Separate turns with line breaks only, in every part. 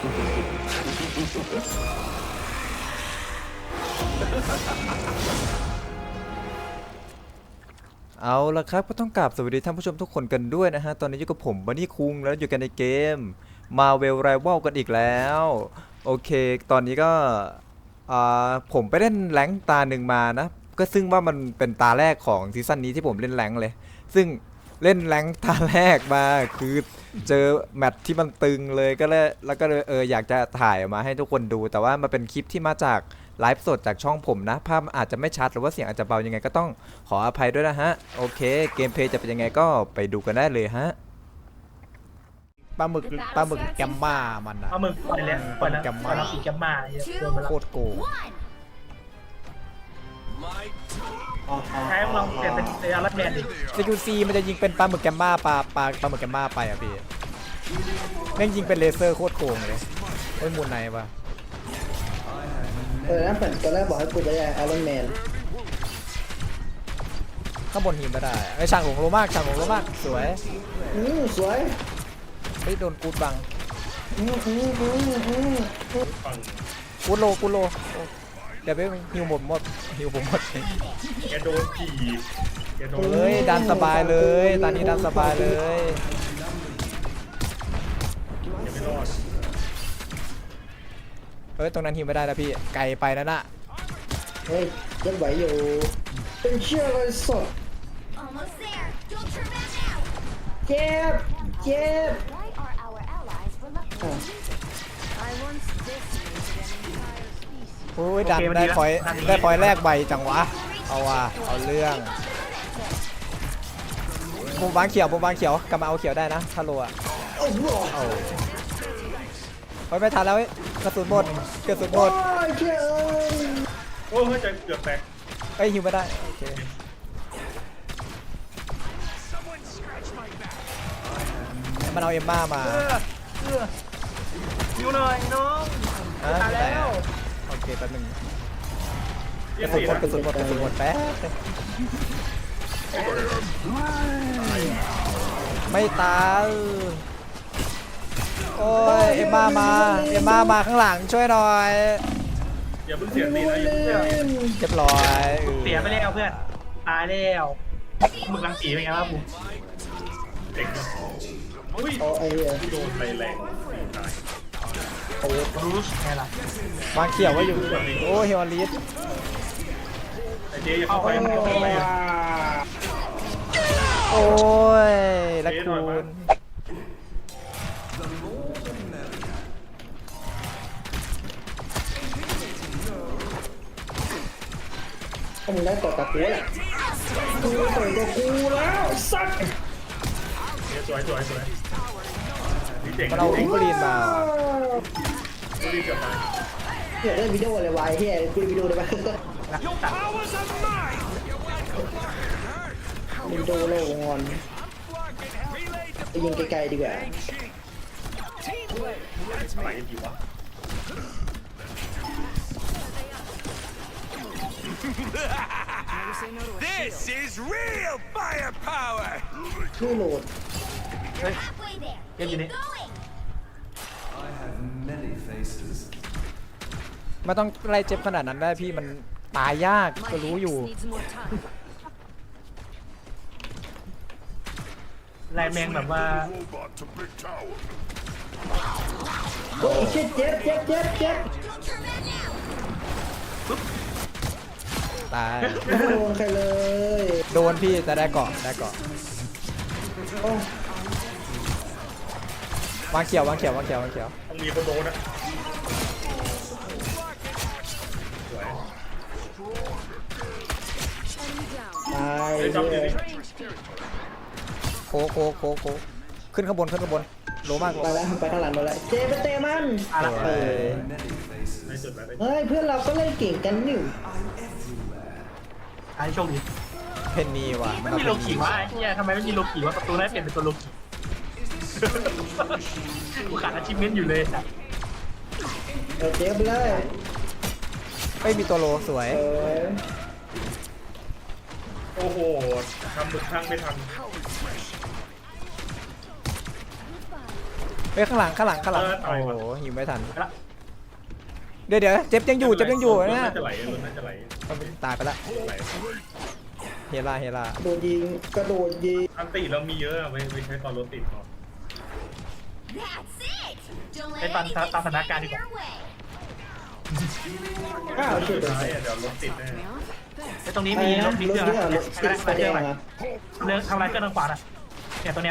เอาละครับก็ต้องกราบสวัสดีท่านผู้ชมทุกคนกันด้วยนะฮะตอนนี้อยู่กับผมบันนี่คุงแล้วอยู่กันในเกม Marvel Rival กันอีกแล้วโอเคตอนนี้ก็ผมไปเล่นแรงค์ตาหนึ่งมานะก็ซึ่งว่ามันเป็นตาแรกของซีซั่นนี้ที่ผมเล่นแรงค์เลยซึ่งเล่นแรงค์ตาแรกมาคือเจอแมตช์ที่มันตึงเลยก็เลยแล้วก็เลยอยากจะถ่ายมาให้ทุกคนดูแต่ว่ามันเป็นคลิปที่มาจากไลฟ์สดจากช่องผมนะภาพอาจจะไม่ชัดหรือว่าเสียงอาจจะเบายังไงก็ต้องขออภัยด้วยนะฮะโอเคเกมเพลย์จะเป็นยังไงก็ไปดูกันได้เลยฮะปลาหมึกแกมม่ามันอะ
ปลาหมึกปล่อยแล้วปล่อยแล้ว
แกมม่า
ปล่อยแล้วสีแกมมาโดนมาแล้ว
โคตรโกง
ใช้ลองเปลี่ยนเป็นเซอร์รัดแมนดิ
สกิลซีมันจะยิงเป็นปลาหมึกแกมม่าปลาหมึกแกมม่าไปอ่ะพี่แม่งยิงเป็นเลเซอร์โคตรโกงเลยโอ้ยมูนไหนปะ
นั่นเป็นตอนแรกบอกให้กูไปไอรอนแมน
ข้างบนหิมไม่ได้ไอ้ช่างหลงโลมากสวย
สวย
เฮ้ยโดนกูดบัง
อืม
กูดโลเดี๋ยวไปฮิวผมหมด
แกโดนจีบแกโดน
เฮ้ยดันสบายเลยตอนนี้ดันสบายเลย
ยังไม่รอด
เฮ้ยตรงนั้นฮิวไม่ได้นะพี่ไกลไปนั่นน่ะ
เฮ้ยยังไหวอยู่เป็นเชื่อเลยสด
Almost there. Don't turn back now.
เจ็บ
Why are our allies reluctant to use it? I once decimated an entire species.
โอ้ยดันได้พอยแรกใบจังวะเอาว่ะเอาเรื่องผมวางเขียวกลับมาเอาเขียวได้นะถ้าโลอะ
โอ้โห
เอาเฮ้ยไม่ทันแล้วเว้ยกระสุนหมด
โอ้ยเจ้า
โอ้ยจะเกือบแตก
เฮ้ยฮิวไม่ได้โอเค มันเอาเอมม่ามา
อยู่หน่อยน้อง
ฮะ
ตายแล้ว
โอเคแป๊บนึง
เรีย
ก
ก
ระสุ
สี
นหมดแป๊บไม่ตายโอ้ยเอมม่ามาข้างหลังช่วยหน่อย
อย่าเพิ่งเสียสีนะอย่าเพิ่งเสีย
เรียบร้อย
เสียไปแล้วเพื่อนตายแล้วหมึกรังสีเป็นไงบ้างผมเด็กอุ้ย
โอ้ไอ้เหี้ย
โดนไปแรงตายโอ้รูสไงล่ะ
วางเขียวไว้อยู่โอ้เฮวอลิส
ไอเจ๊อย่าเข้าไปอย่าเข้าไป
โอ้ยละคุณ
มึงได้ต่อตะกูแหละกูต่อยกับกูแล้วสัตว์
สวยนี่เจ๋ง
มันเอาอิงบรีนมา
รีบกลับมา
เฮียได้วิดีโออะไรวะเฮียกูวิดีโอได้ปะวิดีโอโลงอนไปยิงไกลๆดีกว่า
ไปดีวะ
This is real firepower!
ชื่อโหลด
Halfway there.
Get
Keep
in it.
going.
ไม่ต้องไล่เจ็บขนาดนั้นได้พี่มันตายยากก็รู้อยู่
ลายแมงแบบว่า
Robot to big tower.
โอ้ยเจ็บ
Don't turn back now.
ตาย
ไม่โดนใครเลย
โดนพี่แต่ได้เกาะ
โอ้
วางเขียว
ต้องมีคนโดนนะสวย
ตาย
เดี๋ยวจำ
เล
เดี๋ยวย
โคขึ้นข้างบนโลมาก
ไปแล้วไปข้างหลังหมดแล้วเจไปเตะมัน
อะไร
เออ
ในสุดแล้ว
เฮ้ยเพื่อนเราก็เล่นเก่งกันนี่
ไอ้โชคดี
เพนนีว่ะ
ไม่มีโลกิวะไอ้เหี้ยทำไมไม่มีโลกิวะประตูนั้นเปลี่ยนเป็นตัวโลกิกูขาดอาชีพเมนต์อยู่เลยจ้ะ
เจ๊ไปเลย
ไม่มีตัวโลสวย
โอ้โหทำหมึกทั้งไม่ทัน
เฮ้ยข้างหลังโอ้โหหิวไม่ทันเดี๋ยวเจ็บยังอยู่นะ
น่าจะไหลรถน่าจะไหล
ตายไปละ
ไหล
เฮล่า
โดนยิงกระโดดยิง
อันติเรามีเยอะอะไม่ใช้ตอนรถติดก่อน
That's it. Don't let
ให้ตาม
anything
ตามสถานการณ์ดี
stand
กว่า
in your way.
อ้าวเฉย
สุดท้ายอะเดี๋ยวรถติดแน่
ไอ้ตรงนี้
ๆ
มี
อะไร
ร
นะ
ถมี
ร
เค
ถ
รื่อง
เนี่ยรถ
ไม่ได้
ไฟ
ไม่
แด
ได้
ง
เครื่องอะไร
อะ
เรื่องทำลายเครื่องทางขวาน่ะเนี่ยตรงเนี้ย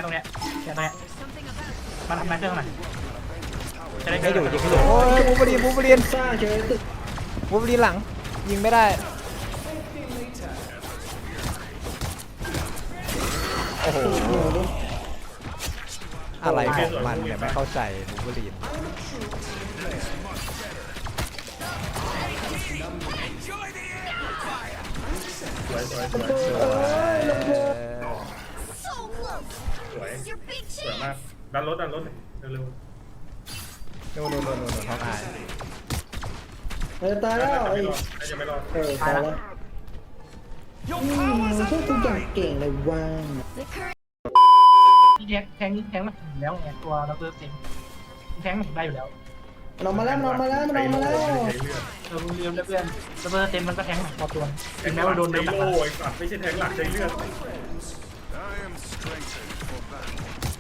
มันทำลายเครื่องหน่อยจะได้
ไม่อยู่ยิงไม่อยู่โอ้ยบูเบอรีน
สร้างเฉยตึก
หลังยิงไม่ได้โอ้โหอะไรของมันเนี่ยไม่เข้าใจบูเบอรีน
สวย
So close.
สวย
It's your big
สวย
chance.
มากดันรถเร็ว
นู่นท้องอาย
มันจะตาย
ๆ
แล้ว
น่า
ไอ้
จะไม่รอด
ตายแล้วพวกคุณอย่างเก่งเลยว่าง
The current
ที่แทงมันถึงแล้วไงตัวเราเพิ่มเต็มแทงมันถึงได้อยู่แล้ว
มันออกมาแล้ว
ใช้เลือด
เราเรียนเพื่อนเราเพิ่มเต็มมันก็แทงพอตัวถึงแม้ว่าโดน
ใช้
เนื้อ
โล่ไอ้สัตว์ไม่ใช่แทงหลักใช้เลือด
I am strengthened for battle.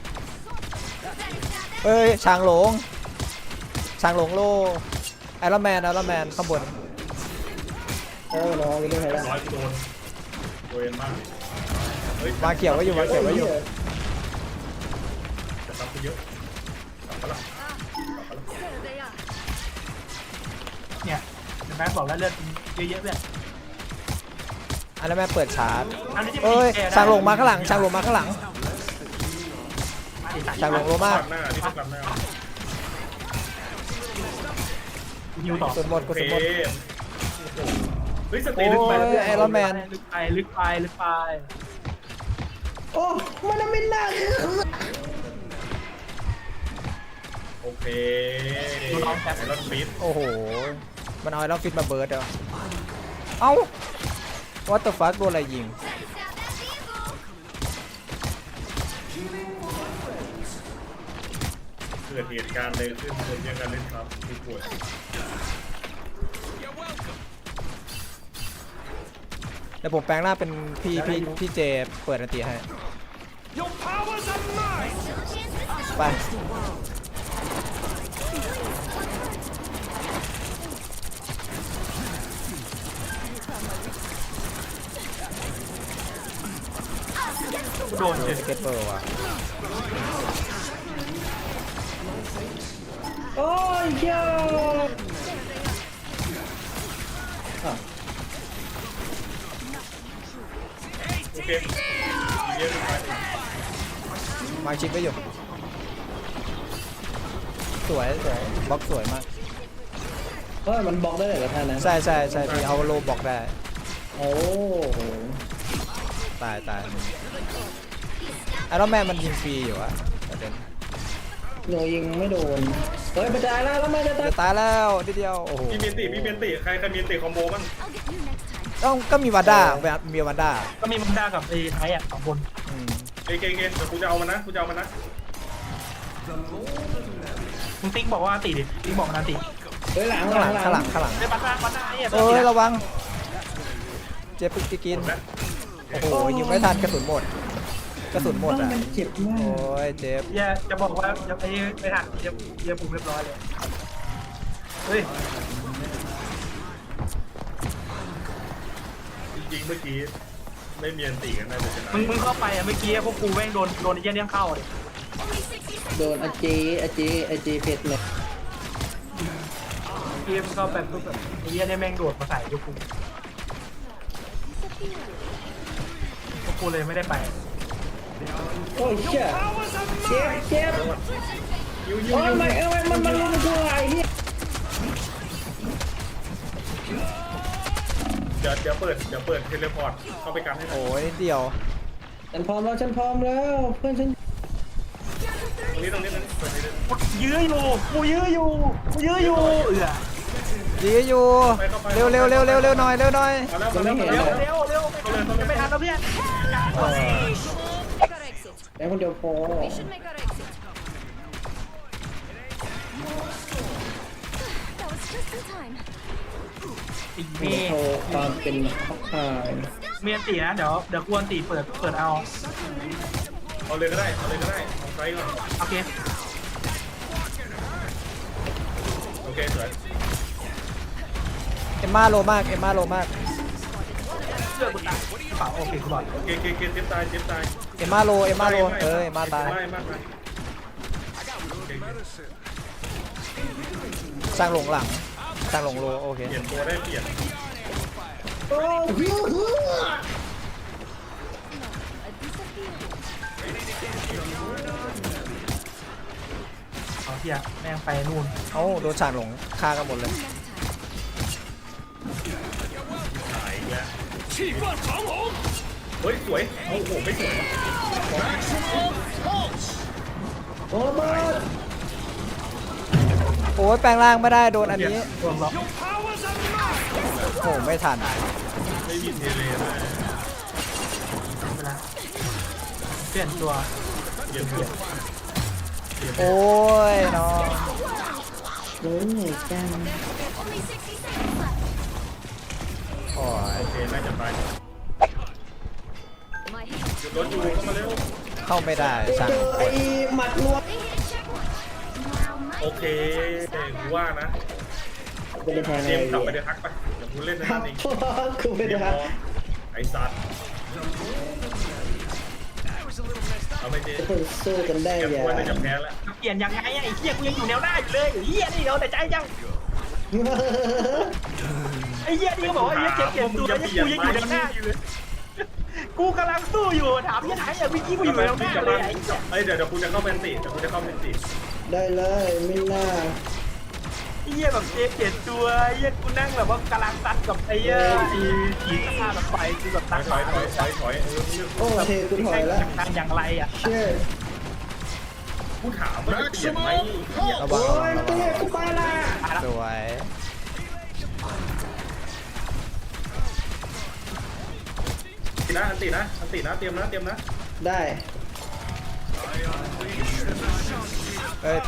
เอ้ยช้างหลงโลไอรอนแมนข้างบน
รอไปด้วยใครแล้ว
ร้อยโดนโดนมากฮ้
มาเขียวไว้อยู่
จะรับไปเยอะกลับมาละ
เนี่ยเห็นไหมบอกแล้วเลือดเยอะๆเพื่อน
ไอรอนแมนเปิดชาร์จ
อันนี้ที่
เอ้ยช้างหลงมาข้างหลัง
ช้างหลงโลมาก
หน้าที่ต้องกลับหน้า
ฮิวต่อ
สุดหมด
โอเคเฮ้ยสตี
โอ้
ลึกไป
ยไอรอนแมน
ลึกไป
โอ้มันไม่น่า
โอเครถฟีด
โอ้โหมันเอาไอรอนฟิตมาเบิร์ดเหรอเอ้า what the fuck โดนอะไรยิง
เกิดเหตุการณ์เลยขึ้นคนยังกันเล่นครับผู้ป่วย
เดี๋ยวผมแปลงหน้าเป็นพี่เจเปิดอันตีให้
Your powers are mine!
ไป
โดนเฉย
สเก็ตเปิร์ว่ะ
โอ้ยเจ้า
โอเคเยอะไป
มาชิปไว้อยู่ สวยบล็อกสวยมาก
มันบล็อกได้เลยกับท่านนะ
ใช่พี่เอาโลบล็อกได้
โอ้โห
ตายไอรอนแมนมันยิงฟรีอยู่อะประเด็น
หนูยิงไม่โดนเฮ้ยไปตายแล้วไม่จะตาย
จะตายแล้วทีเดียวโอ้โห
พี่เมียนติใครมีติคอมโบบ้าง
I'll get you next time.
ก็มีวาด้ามีวาด้า
ก็มีมันด้ากับไอ้ไทยอ่ะ2 คน
อืม
เก่งเดี๋ยวกูจะเอามันนะ
คุณติ๊กบอกว่าติดิติ๊กบอกนะติ
เฮ้ยหลัง
ข้างหลัง
ได้บัตรหน้าไอ้
เอ้ยระวังเจ็บปิกิน
นะ
โอ้โหยิงไม่ทันกระสุนหมดอ่ะ
มันเจ็บมา
โอ้
ก
ยเจ็บ
จะบอกว่าจะไปหักเยปุ่มเรียบร้อยเลยเฮ้ย
จริงเมื่อกี้ไม่เมียนติกันนะเดี๋ยวชนะ
มึงเข้าไปอ่ะเมื่อกี้พวกกูแม่งโดนไอ้เนี้ยเข้าเลย
Only 60
โดนอาเจเพชรเลย
เกมเข้าไปปุ๊บแบบไอ้เนี้ยแม่งโดดมาใส่พวกกูเลยไม่ได้ไป
โอ้ยเชี่ยเจ็บ
ยู
โอ้ยมันรู้ตัวไอ้เหี้ย
เดี๋ยวเปิดเทเลพอร์ตเข้าไปกันให้หน่อย
โอ้ยนิดเดียว
ฉันพร้อมแล้วเพื่อนฉัน
ตรงนี้เปิดให้เลย
กูยื้ออยู่เอือ
ดีอยู่เร็วหน่อย
มาแล้ว
เร็วจะไม่ทันแล้วเพื่อน
Make our exit.
แต่คนเดียวพอ
We should make our exit. That was just in time.
ตีเม
มี
ย์
โชว์ความเป็นพักพาย
เมียตีนะเดี๋ยวกวนตีเปิดเอา
เอาเลยก็ได้เอาเลยก็ได้เอาไฟก่อน
โอเค
โอเคสวย
เอ็มม่าโลมากเอ็มม่าโลมาก
เลือกกูตายเปล่าโอเคกูบอล
โอเคเจ็บตายเจ็บตาย
เอ็มม่าโลเอ็มม่าโลเอ็มม่าตาย
ไม่มากไป
Medicine.
สร้างหลงหลังสร้างหลงโลโอเค
เปลี่ยนตัวได้เปลี่ยน
โอ้โห
เอาเทียแม่งไปนู่น
เอ้าโดนสร้างหลงฆ่ากันหมดเลย
หายอีกแล้วเฮ้ยสวยโอ้โหไม่สวย
โอ้บ้า
โอ้ยแปลงร่างไม่ได้โดนอันนี้
รวมล็อก
โอ้ไม่ทัน
ไม่มีเทเลได้
ไปแล้วเปลี่ยนตัว
เปลี่ยนตัว
โอ้ยน้อง
รู้ไงจัง
Only 60 seconds left.
โอ้ย
โอเคน่าจะไป
My
หยุดรถอยู่เข้ามาเร็ว
เข้าไม่ได้สร้าง
เจอไอ้หมัดรวม
they hit a checkpoint. Now my
โอเคกูว่านะ
ไม่ได้แทง
เจ
อะไร
มส์กลับไป
เล
เดี๋
ย
ยวทักไปเดี๋ยวกูเล่นใน
ครั
นั้
บ
นเอง
คือไม่ได้ครับ
ไอ้สัตว์เอาไม่เจ
จะเพิ่งสู้กันได้
แก
อย่า
ควรจะแพ้แล้ว
เปลี่ยนยังไงอะไอ้เหี้ยกูยังอยู่แนวหน้าอยู่เลยไอ้เหี้ยนี่เอาแต่ใจยังไอ้เหี้ยนี่ก็บอกว่าไอ้เหี้ยเปลี่ยนตัวแล้วกูยังอยู่แนวหน้าอยู่เลยกูกำลังสู้อยู่ถามยังไงอะเมื่อกี้กูอยู่แนวหน้าเลยไอ้เหี้ย
เฮ้ยเดี๋ยวกูจะเข้าเป็นตีเดี๋ยวกูจะเข้าเป็นตี
ได้เลยไม่น่า
ไอ้เหี้ยแบบเปลี่ยนตัวไอ้เหี้ยกูนั่งแบบว่ากำลังตัดกับไอ้เหี้ยไอ้ขีดข้าแบบไฟกูแบบ
ถ
ตั
อ
ด
ยถอยถอยถอยถอย
โอ้เทกูถอยแล้ว
ทำอย่างไรอะ
เชื่อ
กูถามว่าจะเปลี่ยนไหม
ระวั
โอ้
งระวัง
ยเตะกูไปละ
สวย
อันตีนะเตรียมนะ
ได้
เอ้ยไป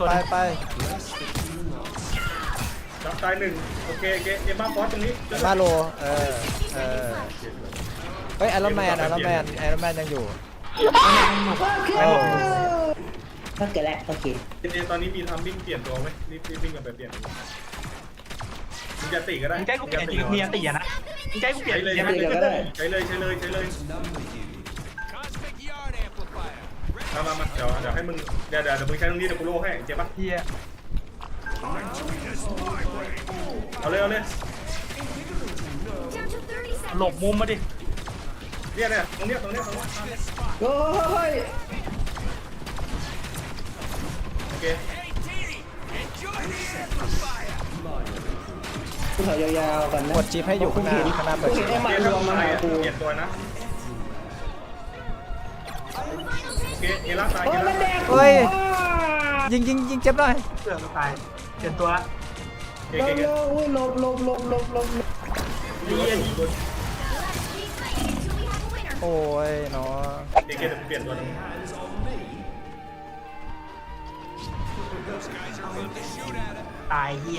จับตายหนึ่งโอเคเอ็มบ้าฟอสตรงนี้
เอ็มม่าโลเออเฮ้ยไอรอนแมนยังอยู่
โอ้ถ้าเกิดแล้วโอเค
ตอนนี้มีทำวิ่งเปลี่ยนตัวไหมรีบวิ่งกันไปเปลี่ยนมึงจะตีก็ได้
มึงใจกูเปลี่ยนจริงเมียตีอะนะมึงใจกูเปลี่ยน
ใช้เลย
จริง
ใช้เลยมาเดี๋ยวให้มึงเดี๋ยวมึงใช้ตรงนี้เดี๋ยวกูโล่ให้เจ็บปะ
เฮีย
เอาเลย
down to 30
หล
seconds.
บมุมมาดิ
เนี่ยตรงเนี้ย
โอ้ย
โอเค
กูถอยยาวๆก่อนนะ
กดชิปให้อยู่ข้างหน้าเปิด
กู
ชิ
เห็
ป
นไอ้หมัดรวมมาหากู
เปลี่ยนตัวนะโอเคเอล่าตาย
โอ้ยมันแดก
เฮ้ยยิงเจ็บหน่อย
เสือกตายเปลี่ยนตัวละ
เก่
เร็วอุ้ยลบ
เฮีย
Let's keep fighting until we have a winner.
โอ้ยเนาะ
เดี๋ยวเปลี่ยนตัวนึง
ตายเฮีย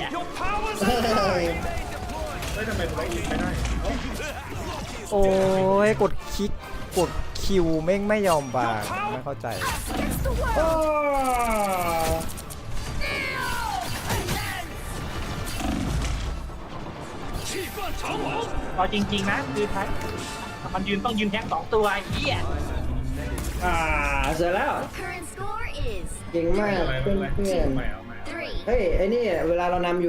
เฮ้ยทำไมตัวนี้ไม่ได้
โอ้ยกดคลิกกดคิวแม่งไม่ยอมบางไม่เข้าใจ
Against the world.
โอ้
เอาจริงๆนะคือท้ายมันต้องยืนแท็ก2ตัวไอ้เหี้ย
เสร็จแล้ว
Current score is
เก่งมาก
อะไร
เพื่อน
ไม่เอา
3.
เฮ้ยไอ้นี่เวลาเรานำอยู่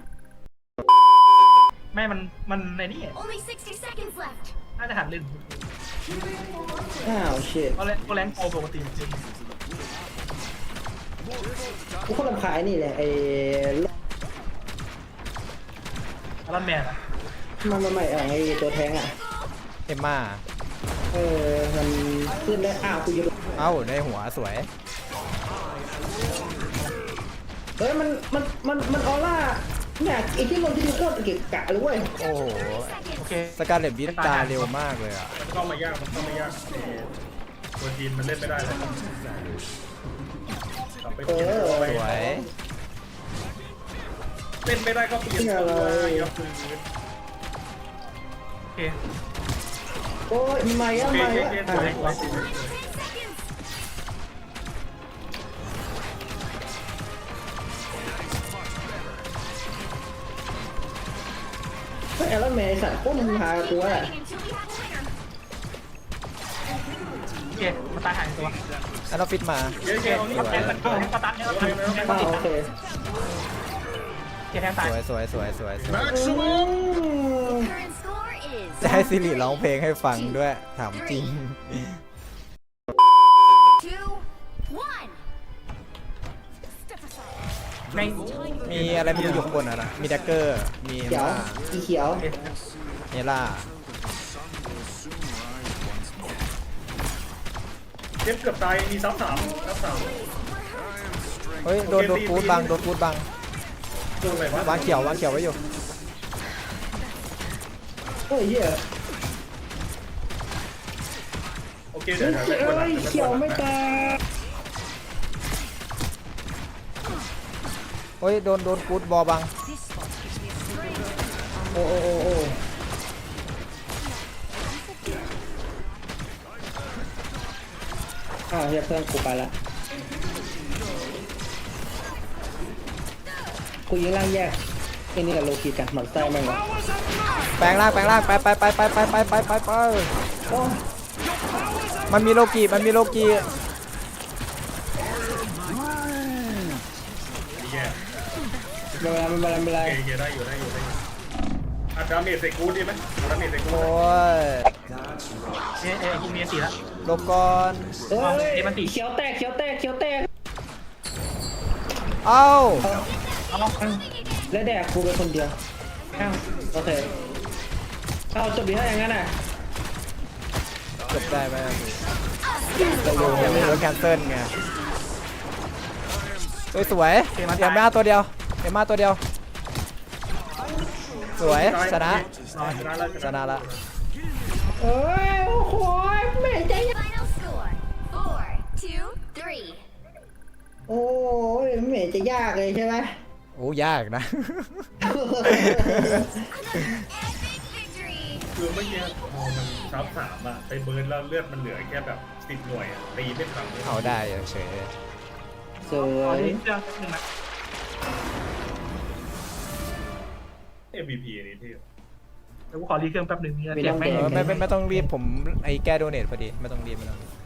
ไม่มันในนี่
Only 60 seconds left.
น่าจะหันเล่น
อ้าวเชิด
เพราะแรงโปรปกติจริง
กูคนรำคาญนี่แหละไอ้
อารอนแมนอะ
ไม่ไอ้ตัวแทงอ่ะ
เอ็มม่า
มันขึ้นได้อ้าวกูอยู่
เอ้าในหัวสวย
เฮ้ยมันออร่าเนี่ยไอ้ที่ลงที่ดูโคตรเกะกะเลยเว้ย
โอ้โห
โอเค
สการเลตบิทตาเร็วมากเลยอ่ะ
มันเข้ามายากตัวจีนมันเล่นไม่ได้เลยกลับไปเปลี่ยนตัวไป
สวย
เล่นไม่ได้ก็เปลี่ยนตัวอย่าฝืน
โอเค
โอ้ยมา
โอ
อ่ะ
เค
มา
โอ
อ่ะ
เค
อ่ะ
สวยสวย
เฮ้ยแล้วแม่ไอ้สัตว์พวกมึงหากูอ่ะ
โอเคมันตายหายตัว
อันออฟฟิศมา
เยอะ
โอเค
ๆเอา
เอาแทงมันก็ตันเนี่ย
อ้าวโอเค
แทงตาย
สวยสวยสวยสวย
Maximum!
Current score is
จะให้ซิริร้องเพลงให้ฟังด้วยถามจริง
2-1. Step aside.
แม่ง
มีอะไรไม่รู้อยู่ข้างบนอ่ะนะมีแดกเกอร์มี
เขียว
ล่า
อีเขียว
เนล่า
เจ็บเกือบตายมีซับสาม
เฮ้ยโดนฟูดบังโดนฟูดบัง
ตัวอะไรวะ
วางเขียวไว้อยู่
โอ้ยเหี้ย
โอเค
เฮ้
เดี๋
ย
ยว
เอ้ยเขียวไม่ตาย
เฮ้ยโดนฟูดบอลบัง
โอ้โอ้โอ้โอ้อ้าวเฮียเพื่อนกูไปละกูยิงล่างแยกไอ้นี่กับโลกีกันหมันไส้แม่งวะ
แปลงร่างไป
โอ้ย
มันมีโลกี
แย่
ไม่เป็นไรไม่เป็นไร
โอเคได้อยู่อัดดาเมจใส่กูดีไหมดาเมจใส่กู
โอ้ย
กูมีสีละ
หลบก่อน
เอ้
เอ้
ย
ยมันตี
เขียวแตกเขียวแตกเขียวแตก
เอ้า
เอา
และแดกกูเป็นคนเดียวอ้าวโอเคเอาจบดีถ้าอย่างนั้นน่ะ
จบได้ไหมยังไม่รู้แคนเซิลไงสวยเอ็มมาตัวเดียวสวยชนะละ
เอ้ยโอ้โหแม่ใจ
Final score 4-2-3.
โอ้ยแม่จะยากเลยใช่ไหม
โอ้ยากนะ
Epic victory.
คือเมื่อกี้พอมันซับสามอะไปเบิร์นแล้วเลือดมันเหลือแค่แบบ10 หน่วยอะตีไม่ทัน
เอาได้เฉย
สว
ขอย ที่เครื่องนึงนะ
MVP อันนี้ที่
เดี๋ยวกูขอรีเครื่องแป๊บนึงเนี่ยเสียงไม่
ไม่ต้องรีบผมไอ้แก้โดเนทพอดีไม่ต้องรีบ